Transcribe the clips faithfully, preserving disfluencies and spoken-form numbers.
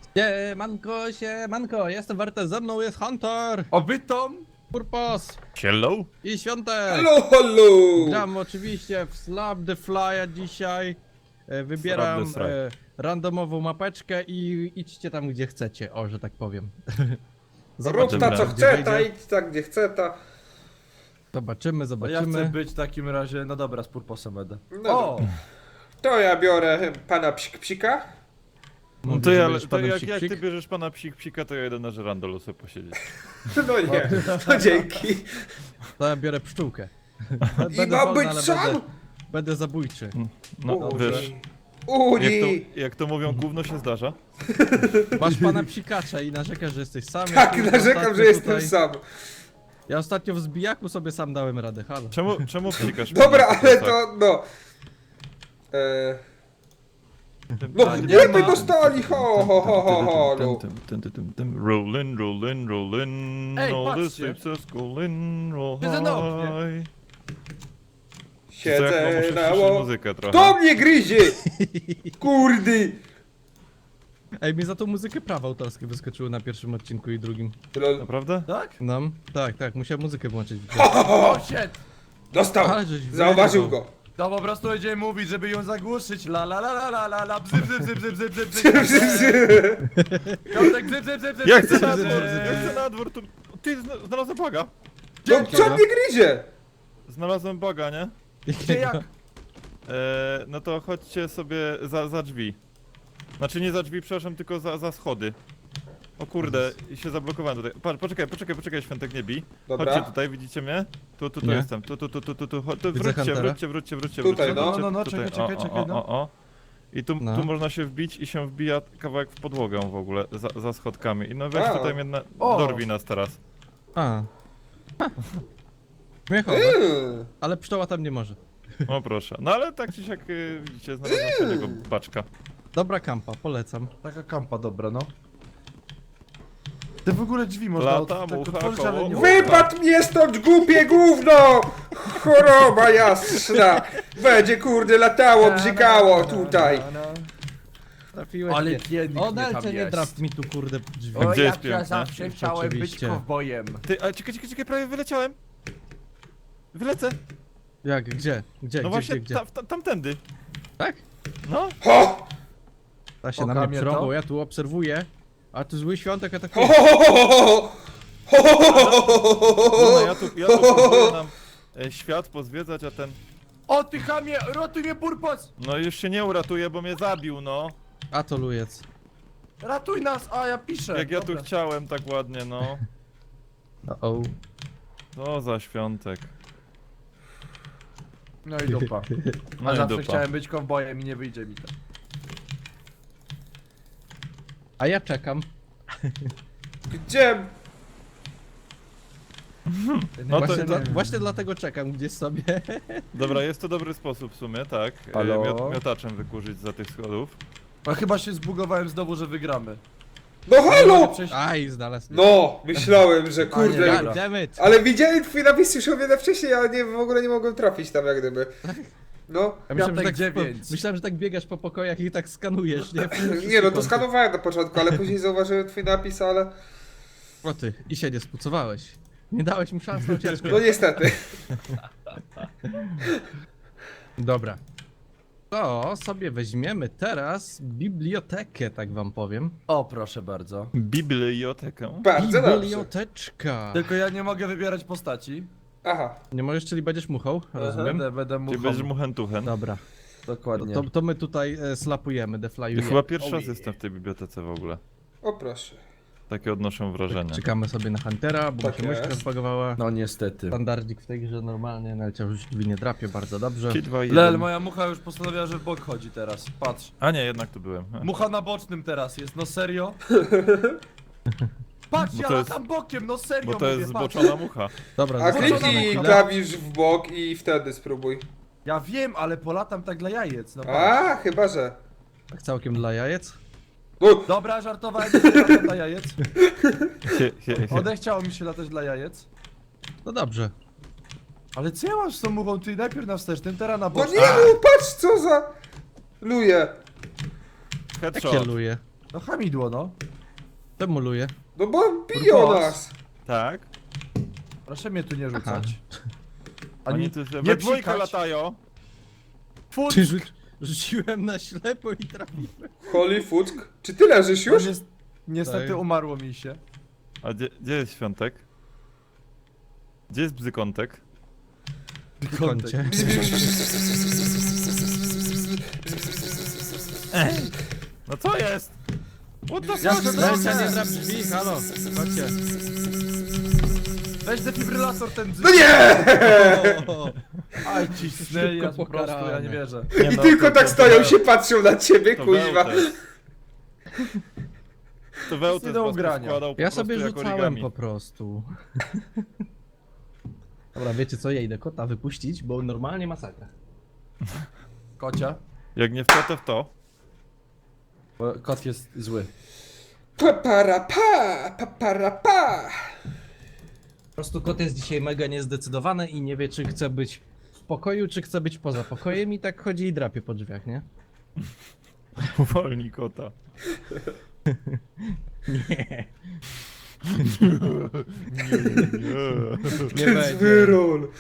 Siemanko, siemanko, jestem Warte, ze mną jest Hunter, Obytom! Purpos Hello? i Świątek. Halo, halo! Gram oczywiście w Slap the Fly'a dzisiaj. E, Wybieram Slap the Fly. e, randomową mapeczkę i idźcie tam gdzie chcecie, o, że tak powiem. Rób ta co gdzie chce, ta wyjdzie. idź tak gdzie chce, ta. Zobaczymy, No ja chcę zobaczymy. być w takim razie, no dobra, z Purposem będę. No O! To ja biorę pana psik psika. No Mówisz, to że ja, będziesz to panem jak, psik, jak psik? ty bierzesz pana psik psika, to ja jedę na żerandolu sobie posiedzieć. No nie, to dzięki. To ja biorę pszczółkę. I Będę ma wolny, być ale sam? Będę, będę zabójczy. No Uni. wiesz, jak Uni. to, jak to mówią, gówno się zdarza. Masz pana psikacza i narzekasz, że jesteś sam. Ja Tak, tu narzekam, ostatnio że jestem tutaj- sam. Ja ostatnio w zbijaku sobie sam dałem radę, halo. Czemu, czemu psikasz? Dobra, mnie na ale plecach? to, no. Eee, Tym- no, a, nie nie by ma. dostali, ho, ho, ho, ho, ho, no. Tym, tym, tym, tym, tym. Rollin', rollin', rollin', Ej, all the patrzcie. ships are schooling, roll Siedzę na oknie. high. Co, ja chyba Siedzę muszę na ściszyć ło... muzykę trochę. To mnie gryzie! Kurdy! Ej, mi za tą muzykę prawa autorskie wyskoczyły na pierwszym odcinku i drugim. Lol. Naprawdę? Tak? No, tak, tak, musiałem muzykę włączyć. Ho, ho, ho. O, shit! Dostał! Ale żeś Zauważył wyjebał. go. To po prostu będziemy mówić, żeby ją zagłuszyć. La la la la la la la bzy bzy bzy bzy bzy bzy bzy Piątek bzy bzy bzy bzy Ja bzy, chcę na bzy, dwór, bzy. ja chcę na dwór, tu... Ty, zna- znalazłem baga. No co mnie gryzie? Znalazłem baga, nie? Gdzie jak? Eee, no to chodźcie sobie za, za drzwi. Znaczy nie za drzwi, przepraszam, tylko za, za schody. O kurde, i się zablokowałem tutaj. Patrz, poczekaj, poczekaj, poczekaj, Świątek, nie bij. Dobra. Chodźcie tutaj, widzicie mnie? Tu, tu, tu Nie. jestem. Tu, tu, tu, tu, tu, tu, chodź, tu Widzę wróćcie, Huntera. wróćcie, wróćcie, wróćcie, Tutaj, wróćcie, no. wróćcie, No, no, no, tutaj. czekaj, czekaj, O, czekaj, o, no. o, o. I tu, No. tu można się wbić i się wbija kawałek w podłogę w ogóle, za, za schodkami. I no weź A. tutaj mnie na... O. dorwij nas teraz. A. Śmiechowe, Eee. ale pszczoła tam nie może. O proszę. No ale tak czy siak, y, widzicie, znalazłem fajnego baczka. Dobra kampa, polecam. Taka kampa dobra, no. Te w ogóle drzwi można Lata, od- tak mucha, otworzyć, ale nie koło. Wypadł mnie stąd, głupie gówno! Choroba jasna! Będzie kurde latało, bzykało tutaj. Trafiłeś Ale mnie. pięknie O, tam Nelce, nie jest. drap mi tu kurde drzwi. O, Gdzie jest jak ja piękne? zawsze Już chciałem być oczywiście. kowbojem. Ty, ale czekaj, czekaj, czekaj, prawie wyleciałem. Wylecę. Jak, gdzie? Gdzie, No gdzie, właśnie, gdzie, gdzie? tam, tam, tamtędy. Tak? No. Ho! Ta się Oka na mnie mnie przerąbał, to? ja tu obserwuję. A tu zły świątek Ho, atakuje. ho, ho, ho, ho, ho, ho, ho, ho, ho, ho, No, ho. ja tu, ja tu próbuję nam e, świat pozwiedzać, a ten... O ty chamie, ratuj mnie Purpos! No już się nie uratuje, bo mnie zabił, no. A to lujec. Ratuj nas, a ja piszę. Jak ja tu Dobra. chciałem tak ładnie, no. O, o. To za świątek. No i dupa. No A i zawsze dupa. chciałem być kowbojem i nie wyjdzie mi to. A ja czekam. Gdzie? No to, właśnie, to, dla, właśnie dlatego czekam gdzieś sobie. dobra, jest to dobry sposób w sumie, tak. E, Halo? miot, miotaczem wykurzyć za tych schodów. A chyba się zbugowałem znowu, że wygramy. No Nie mogę halo! przejść- Aj, znalazł. No, myślałem, że nie, kurde. dobra. God damn it. Ale widziałem twój napis już o wiele wcześniej, ale nie, w ogóle nie mogłem trafić tam jak gdyby. No. Ja myślałem, że Piątek tak, dziewięć. myślałem, że tak biegasz po pokojach i tak skanujesz, nie? Nie no, to skanowałem na początku, ale później zauważyłem twój napis, ale... O ty, i się nie spucowałeś. Nie dałeś mu szans na ucieczkę. No niestety. Dobra. To sobie weźmiemy teraz bibliotekę, tak wam powiem. O, proszę bardzo. Bibliotekę. Bardzo dobrze. Biblioteczka. Tylko ja nie mogę wybierać postaci. Aha. Nie możesz, czyli będziesz muchą, rozumiem? Będę, będę Ty muchą. będziesz muchentuchen. Dobra. Dokładnie. To, to my tutaj e, slapujemy, Ja deflajujemy. chyba pierwszy raz Ojej. jestem w tej bibliotece w ogóle. O proszę. Takie odnoszę wrażenie. Czekamy sobie na Huntera, bo Tak mi się myszka jest. zbagowała. No niestety. Standardzik w tej grze normalnie, nawet już drzwi nie drapie, bardzo dobrze. trzy, dwa, jeden. Lel, moja mucha już postanowiła, że w bok chodzi teraz. Patrz. A nie, jednak tu byłem. Mucha na bocznym teraz jest, no serio? Patrz, Bo ja to jest- latam bokiem, no serio Bo to mówię, jest patrz. zboczona mucha. Dobra, A zostawiamy kliknij chwilę. klawisz w bok i wtedy spróbuj. Ja wiem, ale polatam tak dla jajec, no patrz. A, chyba że. Tak całkiem dla jajec. No, Dobra, żartowałem, że latam dla jajec. Hie, hie, hie. Odechciało mi się latać dla jajec. No dobrze. Ale co ja mam z tą muchą? Ty najpierw na wstecznym, teraz na no bocznym. nie no, patrz co za... Luje. Jak Headshot. kieluję. No hamidło, no. Demoluję. No bo biją Brukos. nas. Tak. Proszę mnie tu nie rzucać. Oni tu nie we dwójkę psikać. latają. Fuck! Czy rzu rzuciłem na ślepo i trafiłem? Holy fuck. Czy ty leżysz No, już? nies- niestety Tak. umarło mi się. A gdzie, gdzie jest świątek? Gdzie jest bzykątek? W kącie. No co jest? What the Ja fuck? sobie- Lejcia, nie drap drzwi, halo. Chodźcie. Weź defibrylator ten bzyk. No nie! O, Aj, cisnęli Szybko nas po prostu, ja pokarane. nie wierzę. Nie I no, tylko to- tak to- stoją to- się, patrzą na ciebie, To kuźwa. Wełtes. To Wełtes Nie do was ugrania. poskładał po ja prostu sobie jak rzucałem origami. po prostu. Dobra, wiecie co, ja idę kota wypuścić, bo normalnie masakra. Kocia. Jak nie w to, to w to. Bo kot jest zły. Paparapa, paparapa. Po prostu kot jest dzisiaj mega niezdecydowany i nie wie, czy chce być w pokoju, czy chce być poza pokojem i tak chodzi i drapie po drzwiach, nie? Uwolnij kota. Nie. Nie. Nie będzie. Wyrol.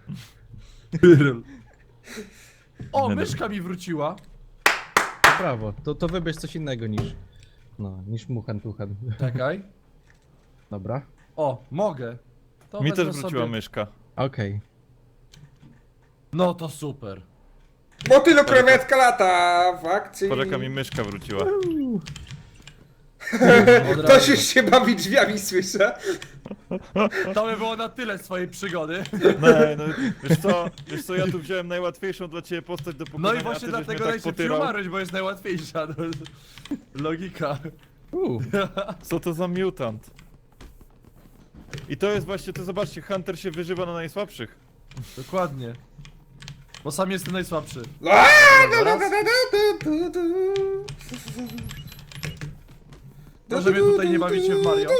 O, Nie myszka mi wróciła. Brawo, to, to wybierz coś innego niż... No, niż muchan tuchan. Czekaj. Dobra. O, mogę. To Mi wezmę też wróciła sobie... myszka. Okej. No to super. Motylu krewetka lata w akcji. Poczeka mi myszka wróciła. Od Ktoś razu. już się bawi drzwiami, słyszę. To by było na tyle swojej przygody. No, no, wiesz co, wiesz co, ja tu wziąłem najłatwiejszą dla ciebie postać do pokonania, No i a właśnie ty żeś mnie dlatego tak najszybciej potyrał. umarłeś, bo jest najłatwiejsza. No. Logika. Uh, Co to za mutant? I to jest właśnie, to zobaczcie, Hunter się wyżywa na najsłabszych. Dokładnie. Bo sam jestem najsłabszy. A, Dobra, da, da, raz. da, da, da, da, da. Może mnie tutaj nie bawicie w Mario?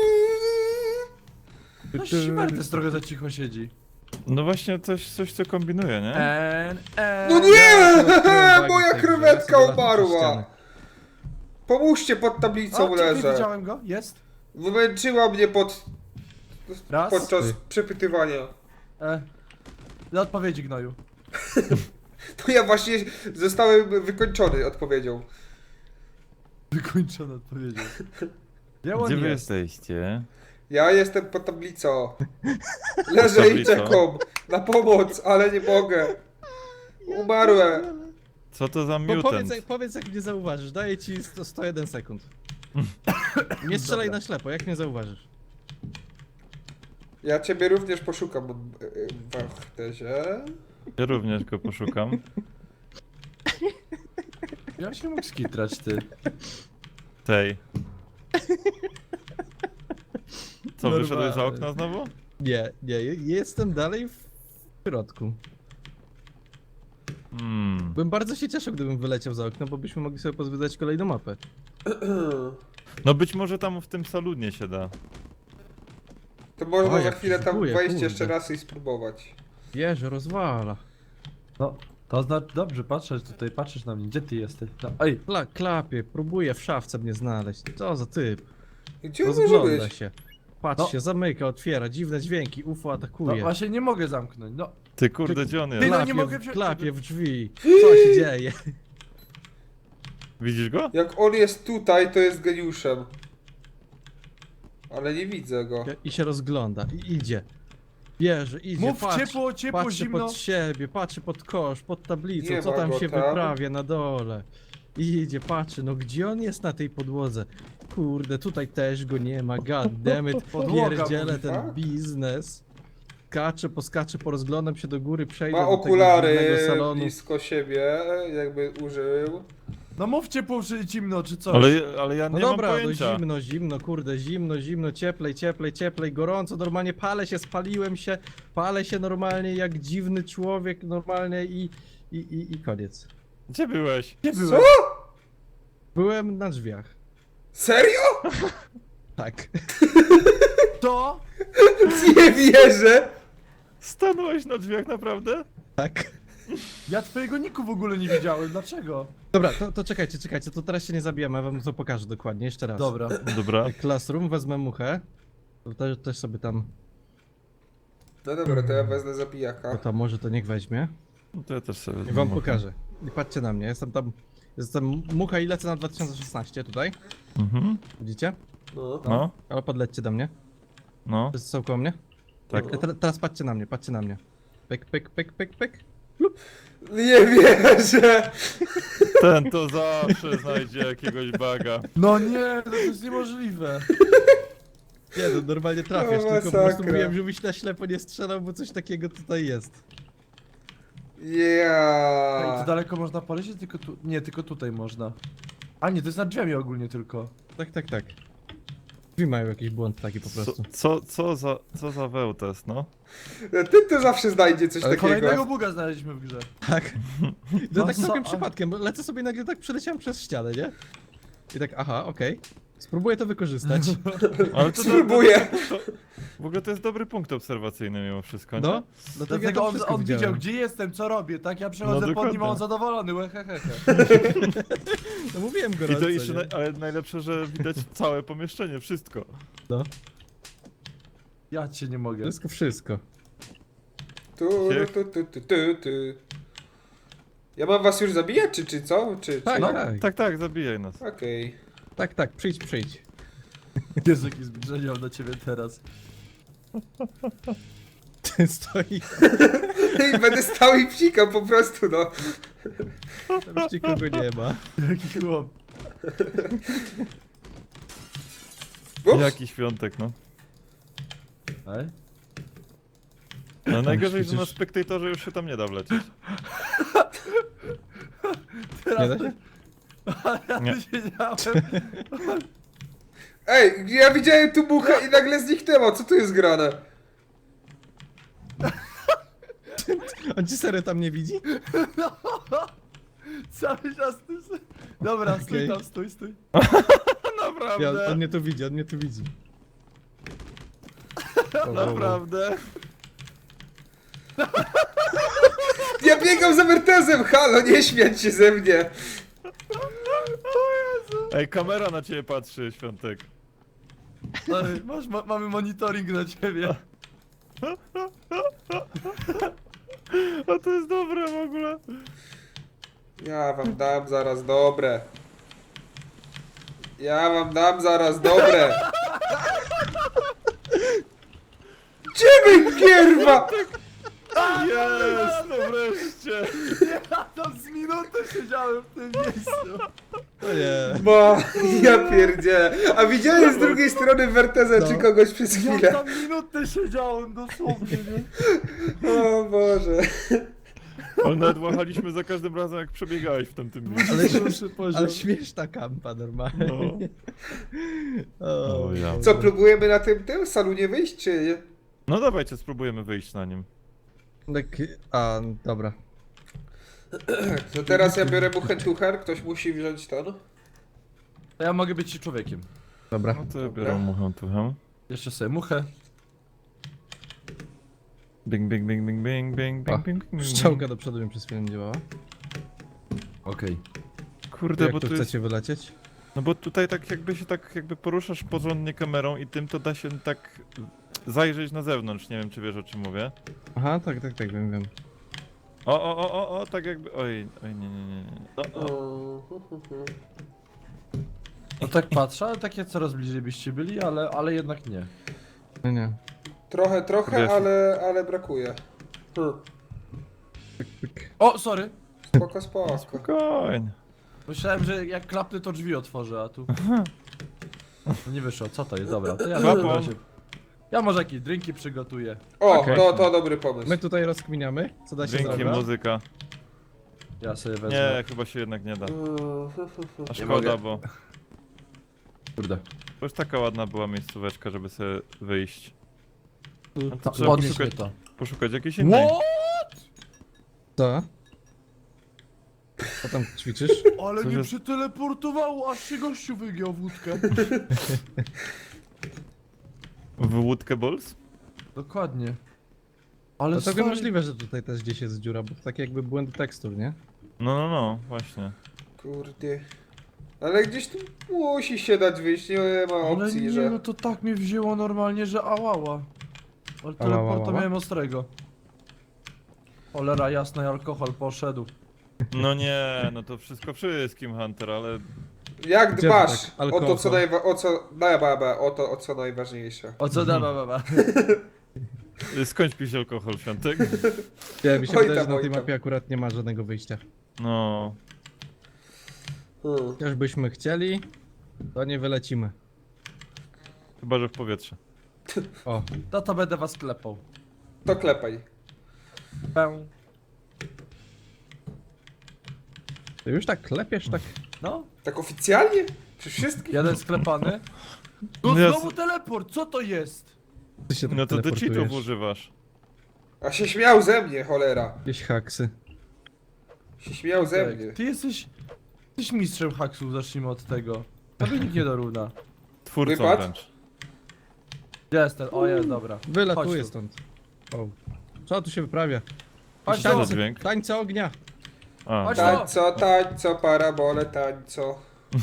tu, No tu. Simertes trochę za cicho siedzi. No właśnie coś, coś co kombinuje, nie? En, en. No nie! Odkryłem Moja wagi tej grze, krewetka ja sobie latam przez umarła. ścianę. Pomóżcie, pod tablicą O, czekaj, leżę. widziałem go. Jest. Wymęczyła mnie pod... Raz. podczas Ty. przepytywania. E. Dla odpowiedzi, gnoju. To ja właśnie zostałem wykończony odpowiedzią. Wykończona odpowiedzią. Gdzie on Gdzie wy jest? jesteście? Ja jestem pod tablicą. Leżę i tablicą? czekam na pomoc, ale nie mogę. Umarłem. Co to za Bo mutant? powiedz, jak- powiedz jak mnie zauważysz, daję ci sto, sto jeden sekund. Nie strzelaj Dobra. na ślepo, jak mnie zauważysz. Ja ciebie również poszukam w Wachtezie. Ja również go poszukam. Ja się mógł skitrać, ty. Tej. Co, Normalnie. wyszedłeś za okno znowu? Nie, nie, je- jestem dalej w środku. Hmm. Bym bardzo się cieszył, gdybym wyleciał za okno, bo byśmy mogli sobie pozwiedzać kolejną mapę. No być może tam w tym salonie się da. To można O, za jak chwilę tam próbuję, wejść kurde. jeszcze raz i spróbować. Jeże, rozwala. No, to znaczy, dobrze, patrzysz tutaj, patrzysz na mnie, gdzie ty jesteś? No, ej, Kla klapie, próbuje w szafce mnie znaleźć. Co za typ? Gdzie on może Rozgląda być? się. Patrzy No. się, zamyka, otwiera, dziwne dźwięki, U F O no atakuje. właśnie nie mogę zamknąć, no. Ty kurde, gdzie on Ty, jest? no Klapie, nie mogę w- wziąć klapie tego. w drzwi. Co się dzieje? Widzisz go? Jak on jest tutaj, to jest geniuszem. Ale nie widzę go. I się rozgląda, i idzie. Bierze, idzie, Mów patrzy, ciepło, ciepło, patrzy zimno. pod siebie, patrzy pod kosz, pod tablicą, Nie co ma tam go się tam. wyprawia na dole. I idzie, patrzy, no gdzie on jest na tej podłodze? Kurde, tutaj też go nie ma, god damn it, Podłoga pierdzielę mówi, ten tak? biznes. Skaczę, poskaczę, porozglądam się do góry, przejdę Ma do tego okulary dziwnego salonu. blisko siebie, jakby użył. No mów ciepło, czy zimno, czy coś. Ale, ale ja No nie mam dobra, no pojęcia. zimno, zimno, kurde, zimno, zimno, cieplej, cieplej, cieplej, gorąco, normalnie palę się, spaliłem się, palę się normalnie jak dziwny człowiek, normalnie i, i, i, i koniec. Gdzie byłeś? Gdzie Co? byłeś? Byłem na drzwiach. Serio? Tak. To? Nie wierzę! Stanąłeś na drzwiach naprawdę? Tak. Ja twojego niku w ogóle nie widziałem, dlaczego? Dobra, to, to czekajcie, czekajcie, to teraz się nie zabijamy, ja wam to pokażę dokładnie, jeszcze raz. Dobra. Dobra. Classroom, wezmę muchę. To też, też sobie tam, No dobra, to ja wezmę to zabijaka. tam może to niech weźmie. No to ja też sobie I wezmę wam muchę. pokażę. I patrzcie na mnie, jestem tam, jestem mucha i lecę na dwa tysiące szesnaście tutaj. Mhm. Widzicie? No. No, Ale podlećcie do mnie. no. Wszyscy są koło mnie? Tak. E, te, teraz patrzcie na mnie, patrzcie na mnie. Pyk, pyk, pyk, pyk, pyk. Nie wierzę! Ten to zawsze znajdzie jakiegoś baga. No nie, to jest niemożliwe. Nie, no normalnie trafiasz, O, tylko po prostu masakra. mówiłem, żebyś na ślepo nie strzelał, bo coś takiego tutaj jest. Ej, to Yeah. daleko można polecieć? Tylko tu... Nie, tylko tutaj można. A nie, to jest nad drzwiami ogólnie tylko. Tak, tak, tak. Drzwi mają jakiś błąd taki po Co, prostu. co, co za, co za wełtes, no? Ty to zawsze znajdzie coś Ale Kolejnego takiego. buga znaleźliśmy w grze. Tak. To No tak co- całkiem a- przypadkiem, bo lecę sobie i nagle tak przeleciałem przez ścianę, nie? I tak, aha, okej. Spróbuję to wykorzystać. Ale to, Spróbuję. To, to, w ogóle to jest dobry punkt obserwacyjny mimo wszystko, nie? No, dlatego ja Dlatego to on, wszystko on widział, widziałem. gdzie jestem, co robię, tak? Ja przechodzę No, pod nim, a on dokładnie. zadowolony, łehehehe. No mówiłem I gorąco, to jeszcze, nie? naj, ale najlepsze, że widać całe pomieszczenie, wszystko. No, Ja cię nie mogę. wszystko, wszystko. Tu, tu, tu, tu, tu, tu. Ja mam was już zabijać, czy, czy co? Czy, Tak, czy... No, tak. tak, tak, zabijaj nas. Okej. Tak, tak, przyjdź, przyjdź. Jezu, jaki zbliżenie mam do ciebie teraz. Ty stoi, I będę stał i psikał po prostu, no. tam już nikogo nie ma. Jaki chłop. Ups. Jaki świątek, no. Ej? No najgorzej, że na przecież- spektatorze już się tam nie da wlecieć. Nie da się? Ja Nie. tu siedziałem. Ej, ja widziałem tu muchę i nagle zniknęło, co tu jest grane? On ci serio tam nie widzi? Cały czas tu... se- Dobra, stój Okej. tam, stój, stój. Naprawdę, Ja, on mnie tu widzi, on mnie tu widzi. O, o, o. naprawdę. Ja biegam za Mertezem, halo, nie śmiać się ze mnie. Ej, kamera na ciebie patrzy, Świątek. Ej, masz, ma, mamy monitoring na ciebie. A to jest dobre w ogóle. Ja wam dam zaraz dobre. Ja wam dam zaraz dobre. Ciebie gierwa! Jest, no wreszcie. Ja tam z minutę siedziałem w tym miejscu. O nie. Bo ja pierdzielę. A widziałem z drugiej strony Werteza No. czy kogoś przez Ja chwilę. tam minutę siedziałem dosłownie, nie? O Boże. Ale nawet łachaliśmy za każdym razem, jak przebiegałeś w tamtym miejscu. Ale, Pierwszy poziom. ale śmieszna kampa normalnie. No. O, O ja. Co, próbujemy na tym tym salonie wyjść, czy nie? No dawajcie, spróbujemy wyjść na nim. Tak, a, dobra. To teraz ja biorę buchentucher, ktoś musi wziąć ten. To ja mogę być człowiekiem. Dobra. No to ja biorę muchę tuchę. Jeszcze sobie muchę. Bing, bing, bing, bing, bing, bing, O, bing, bing, bing. Strzałka do przodu mi przez chwilę nie działała. Okej. Kurde, Jak bo tu tu jest... chcecie wylecieć? No bo tutaj tak jakby się tak jakby poruszasz porządnie kamerą i tym to da się tak zajrzeć na zewnątrz, nie wiem czy wiesz o czym mówię. Aha, tak, tak, tak, wiem, wiem. O, o, o, o, o, tak jakby, oj, oj, nie, nie, nie, nie. O, o. No tak patrzę, ale takie coraz bliżej byście byli, ale, ale jednak nie. No nie. Trochę, trochę, Wiesz. ale, ale brakuje. Hmm. Pyk, pyk. O, sorry! Spoko, spoko. Spokojnie. Myślałem, że jak klapnę to drzwi otworzę, a tu... No nie wyszło, co to jest? Dobra, to ja, Łapą. ja, się... ja może jakieś drinki przygotuję. O, Okej. to, to dobry pomysł. My tutaj rozkminiamy, co da się Dzięki, zrobić. muzyka. Ja sobie wezmę. Nie, chyba się jednak nie da. A szkoda, mogę. bo Kurde. bo już taka ładna była miejscóweczka, żeby sobie wyjść. Tu- To Ta, trzeba podnieś mnie poszukać, to. poszukać jakiejś innej. Co? Co tam ćwiczysz? Ale Co mnie jest? przeteleportowało, aż się gościu wygiął wódkę. W łódkę Balls? Dokładnie. Ale To całkiem stary, możliwe, że tutaj też gdzieś jest dziura, bo to tak jakby błędy tekstur, nie? No, no, no, właśnie. Kurde. Ale gdzieś tu musi się dać wyjść, nie ma Ale opcji, nie, że... no to tak mnie wzięło normalnie, że ałała. Ale Ała, ała, teleporta ała? miałem ostrego. Cholera jasna, alkohol poszedł. No nie, no to wszystko wszystkim, Hunter, ale... Jak Gdzie dbasz tak? o Alkohol. to, co najwa... o co... Da, ba, ba, o to, o co najważniejsze. O co da, baba? Skończ pić alkohol, Świątek. Ja mi się Oj wydaje, że tam, na oj tej tam. mapie akurat nie ma żadnego wyjścia. No... Hmm. Chociaż byśmy chcieli, to nie wylecimy. Chyba, że w powietrze. O, To to będę was klepał. To klepaj. Pę. ty już tak klepiesz, tak... No, Tak oficjalnie? Przy wszystkich? jeden sklepany. No No ja znowu teleport, co to jest? Ty się tak No to ty teleportujesz. cheatów używasz. A się śmiał ze mnie, cholera. Jakieś haksy. Się śmiał ze Tak, mnie. ty jesteś... Jesteś mistrzem haksów, zacznijmy od tego. Tobie nikt nie dorówna. Twórcą Wypad? wręcz. Gdzie jest ten? O jest, dobra. Wylatuję Chodź tu. stąd. O. Co tu się wyprawia? Chodź Co za tu. dźwięk? Tańce ognia! A, Chodź dobra. Tańco, tańco, parabole, tańco.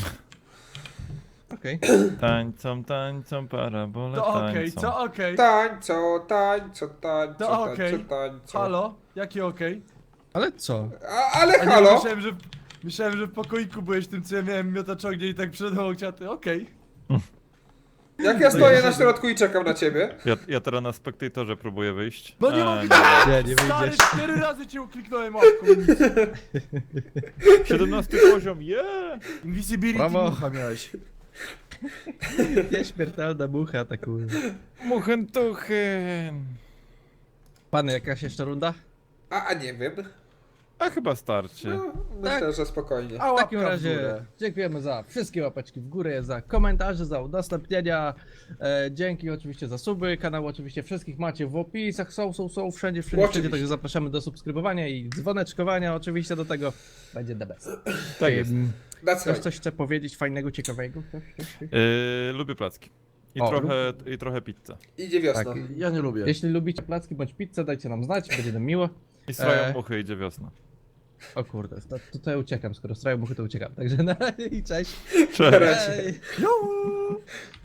Okej. Tańcą, tańcą, parabole, To okej, tańcą. co okej? Tańco, tańco, tańco, To tańco, okej. tańco. Halo? Jakie okej? Ale co? A, ale A nie, halo? myślałem, że, myślałem, że w pokoiku byłeś tym, co ja miałem miotacz ognia i tak przed mną ciaty, okej. Jak ja stoję na środku i czekam na ciebie? Ja, ja teraz na spektatorze próbuję wyjść. No nie A, mogę! Nie, nie Stary, wyjdziesz. cztery razy cię ukliknąłem łapką, nic. siedemnasty poziom, yeah! Invisibility Brawo. mucha miałeś. Nieśmiertelna mucha atakuje. Muchentuchen. Pany, jakaś jeszcze runda? A, a nie wiem. A chyba starczy. No, myślę, że spokojnie. A W takim łapka w razie górę. dziękujemy za wszystkie łapeczki w górę, za komentarze, za udostępnienia. E, dzięki oczywiście za suby. Kanał oczywiście wszystkich macie w opisach. Są, są, są wszędzie, wszędzie, Oczywiście. wszędzie. Także zapraszamy do subskrybowania i dzwoneczkowania. Oczywiście do tego będzie the best. Tak jest. Em, That's Ktoś right. coś chce powiedzieć fajnego, ciekawego? Ktoś, ktoś, ktoś? Yy, lubię placki. I O, trochę, i trochę pizzę. Idzie wiosna. Tak. Ja nie lubię. Jeśli lubicie placki bądź pizzę, dajcie nam znać, będzie nam miło. I strają E. muchy idzie wiosna. O kurde, to, tutaj uciekam, skoro strają muchy to uciekam. Także na razie i cześć. Cześć. Na razie. Hej. Jo!